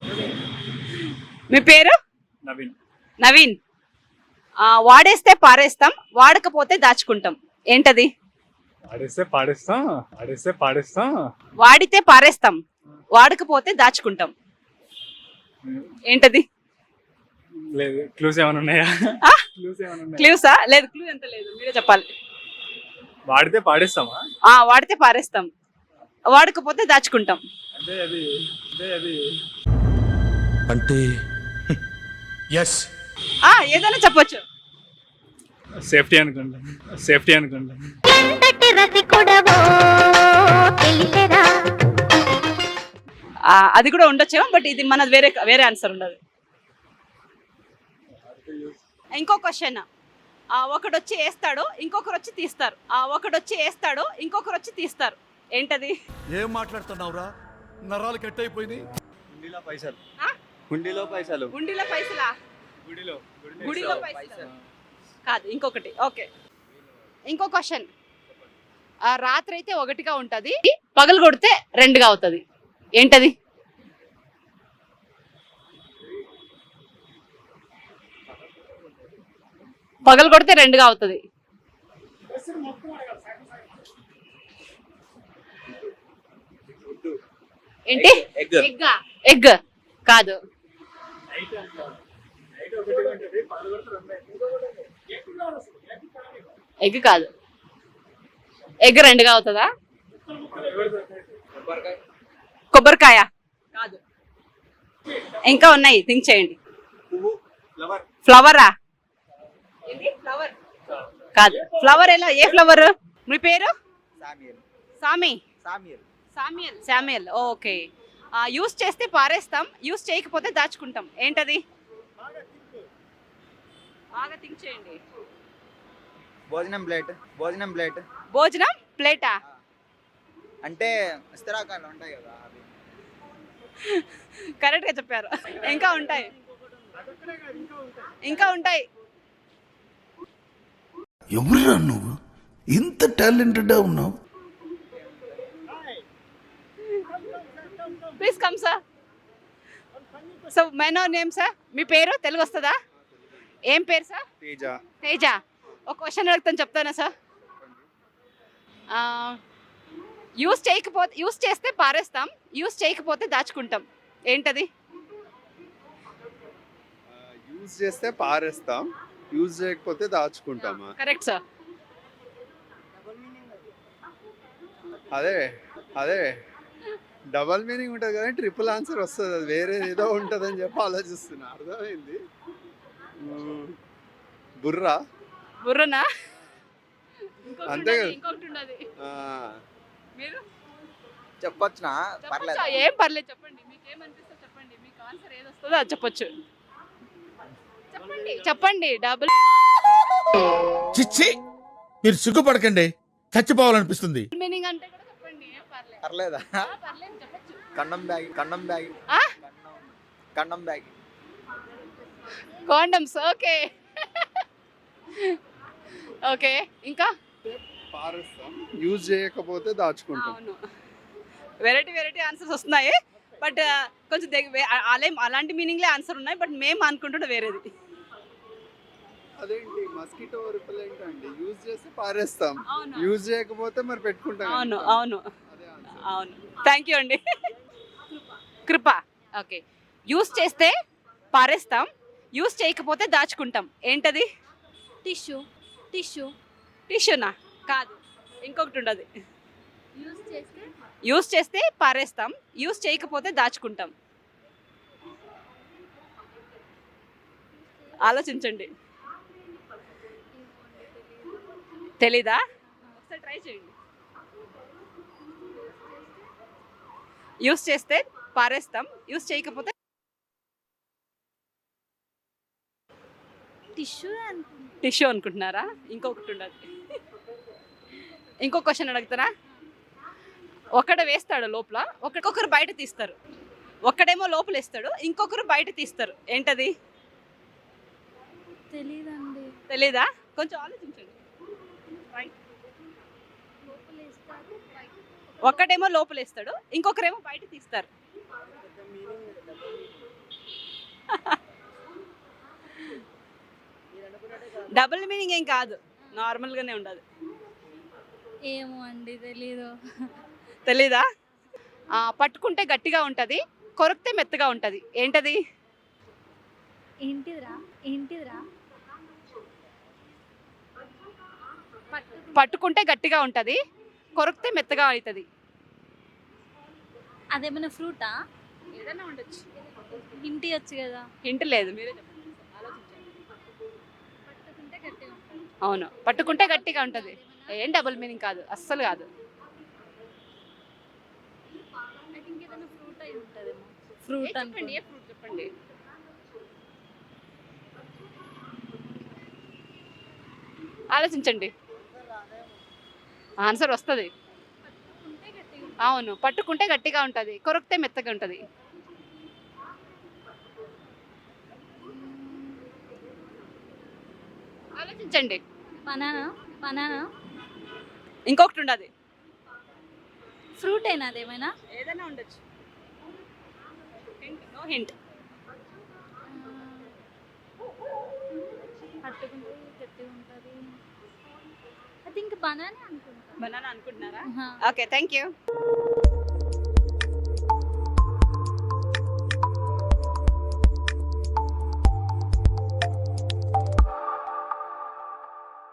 మీ పేరు? నవీన్. నవీన్. వాడేస్తే పారేస్తాం, వాడకపోతే దాచుకుంటాం. ఏంటది? ఆడేస్తే పాడేస్తాం, ఆడేస్తే పాడేస్తాం. వాడితే పారేస్తాం, వాడకపోతే దాచుకుంటాం. ఏంటది? లేదు, క్లూస్ ఏమైనా ఉన్నాయా? ఆ? క్లూస్ ఏమైనా ఉన్నాయా? క్లూసా? లేదు, క్లూ ఎంత లేదు, మీరే చెప్పాలి. వాడితే పాడేస్తామా? వాడితే పారేస్తాం, వాడకపోతే దాచుకుంటాం. అంటే అది అంటే ఎస్ ఏదైనా చెప్పొచ్చు. సేఫ్టీ అనుకుంటాం, సేఫ్టీ అనుకుంటాం. అది కూడా ఉండొచ్చేమో, బట్ ఇది మనది వేరే వేరే ఆన్సర్ ఉండదు. ఇంకో క్వశ్చన్. ఒకడు వచ్చి వేస్తాడు, ఇంకొకరు వచ్చి తీస్తారు. ఒకడు వచ్చి వేస్తాడు, ఇంకొకరు వచ్చి తీస్తారు. ఏంటది? ఏం మాట్లాడుతున్నావురా? నరాలు కట్ అయిపోయింది. హుండీలో పైసలు. ఆ? హుండీలో పైసలు. గుండీలో పైసలా? గుడిలో పైసలు కాదు, ఇంకొకటి. ఓకే, ఇంకో క్వశ్చన్. రాత్రి అయితే ఒకటిగా ఉంటది, పగలు కొడితే రెండుగా అవుతుంది. ఏంటది? పగలు కొడితే రెండుగా అవుతుంది. ఏంటి? ఎగ్ కాదు. ఎగ్ కాదు. ఎగ్ రెండుగా అవుతుందా? కొబ్బరికాయ కాదు. ఇంకా ఉన్నాయి, థింక్ చేయండి. ఫ్లవరా? ఫ్లవర్ కాదు. ఫ్లవర్ ఎలా? ఏ ఫ్లవర్? మీ పేరు? సామి. శామ్యుయల్. ఓకే. యూస్ చేస్తే పారేస్తాం, యూస్ చేయకపోతే దాచుకుంటాం. ఏంటది? బాగా థింక్ చేయండి. భోజనం ప్లేట్. భోజనం ప్లేటా? అంటే ఇస్తరాకాలు ఉంటాయి కదా అవి. కరెక్ట్ గా చెప్పారు. ఇంకా ఉంటాయి. ఎవరురా నువ్వు? ఇంత టాలెంటెడ్ ఉన్నావు. Please come sir. So my no name sir. మీ పేరు తెలుగు వస్తుందా? ఏం పేరు సార్? తేజ. ఒక క్వశ్చన్ అడుగుతాను, చెప్తానా సార్? యూస్ చేస్తే పారేస్తాం, యూస్ చేయకపోతే దాచుకుంటాం. ఏంటది? యూజ్ చేస్తే పారేస్తాం, యూజ్ చేయకపోతే దాచుకుంటామా? Correct sir. అదే డబల్ మీనింగ్ ఉంటుంది కదా, ట్రిపుల్ ఆన్సర్ వస్తుంది. అది వేరే ఏదో ఉంటుంది అని చెప్పి ఆలోచిస్తున్నా. అర్థమైంది. బుర్రనా? అంతే కదా. ఇంకొకటి ఉండదు. మీరు చెప్పొచ్చునా? పర్లేదు. ఏం పర్లేదు, చెప్పండి. మీకు ఏమనిపిస్తే చెప్పండి. మీకు ఆన్సర్ ఏది వస్తుందో అది చెప్పొచ్చు. చెప్పండి. డబుల్ చిచ్చి, మీరు సిగ్గుపడకండి, చచ్చిపోవాలనిపిస్తుంది. మీనింగ్ అంటే కూడా చెప్పండి. ఏం పర్లేదు. పర్లేదా? పర్లేదు, చెప్పొచ్చు. కన్నం బ్యాగ్. కాండమ్స్. ఓకే. ఓకే, ఇంకా పారేస్తాం, యూజ్ చేయకపోతే దాచుకుంటాం. అవును, వెరైటీ ఆన్సర్స్ వస్తున్నాయి. బట్ కొంచెం అలాంటి మీనింగ్లే ఆన్సర్ ఉన్నాయి. బట్ మేము అనుకుంటుంటే వేరేది. అదేంటి? మస్కిటో రిపెలెంట్ అండి. యూజ్ చేస్తే పారేస్తాం, అవును. యూజ్ చేయకపోతే మరి పెట్టుకుంటాం. అవును. థ్యాంక్ యూ అండి. కృప. ఓకే. యూస్ చేస్తే పారేస్తాం, యూస్ చేయకపోతే దాచుకుంటాం. ఏంటది? టిష్యూనా? కాదు, ఇంకొకటి ఉండదు. యూస్ చేస్తే పారేస్తాం, యూస్ చేయకపోతే దాచుకుంటాం. ఆలోచించండి. తెలీదా? ఒకసారి ట్రై చేయండి. యూస్ చేస్తే పారేస్తాం, యూస్ చేయకపోతే టిష్యూ అనుకుంటున్నారా? ఇంకొకటి ఉండదు. ఇంకో క్వశ్చన్ అడుగుతారా? ఒకడు వేస్తాడు లోపల, ఒక్కొక్కరు బయట తీస్తారు. ఒక్కడేమో లోపల వేస్తాడు, ఇంకొకరు బయట తీస్తారు. ఏంటది? తెలీదా? కొంచెం ఆలోచించండి. ఒక్కడేమో లోపల వేస్తాడు, ఇంకొకరేమో బయట తీస్తారు. డబుల్ మీనింగ్ ఏం కాదు, నార్మల్గానే ఉండదు. ఏమో అండి తెలీదు. తెలీదా? పట్టుకుంటే గట్టిగా ఉంటుంది, కొరికితే మెత్తగా ఉంటుంది. ఏంటది? ఏంటిదిరా ఏంటిదిరా పట్టుకుంటే గట్టిగా ఉంటుంది, కొరికితే మెత్తగా అవుతుంది. అదేమైనా ఫ్రూటా? ఏదైనా ఉండొచ్చు. ఇంటి వచ్చు కదా. హింట్ లేదు, మీరే చెప్పండి, ఆలోచించండి. పట్టుకుంటే గట్టిగా ఉంటుంది. అవును, పట్టుకుంటే గట్టిగా ఉంటుంది. ఏం డబుల్ మీనింగ్ కాదు, అస్సలు కాదు. ఐ థింక్ ఏదైనా ఫ్రూట్ అయి ఉంటుందేమో. ఫ్రూట్ చెప్పండి, ఏ ఫ్రూట్ చెప్పండి. ఆలోచించండి, ఆన్సర్ వస్తుంది. పట్టుకుంటే గట్టిగా ఉంటుంది. అవును, పట్టుకుంటే గట్టిగా ఉంటుంది, కొరికితే మెత్తగా ఉంటుంది. ఆలోచించండి. బనానా. బనానా ఇంకొకటి ఉండదు. ఫ్రూట్ అయినా అదేమైనా? ఏదైనా ఉండొచ్చు. No hint. పట్టుకుంటే గట్టిగా ఉంటుంది. ఐ థింక్ బనానా అనుకుంటా. బనానా అనుకుంటున్నారా? ఆహా. Okay, thank you.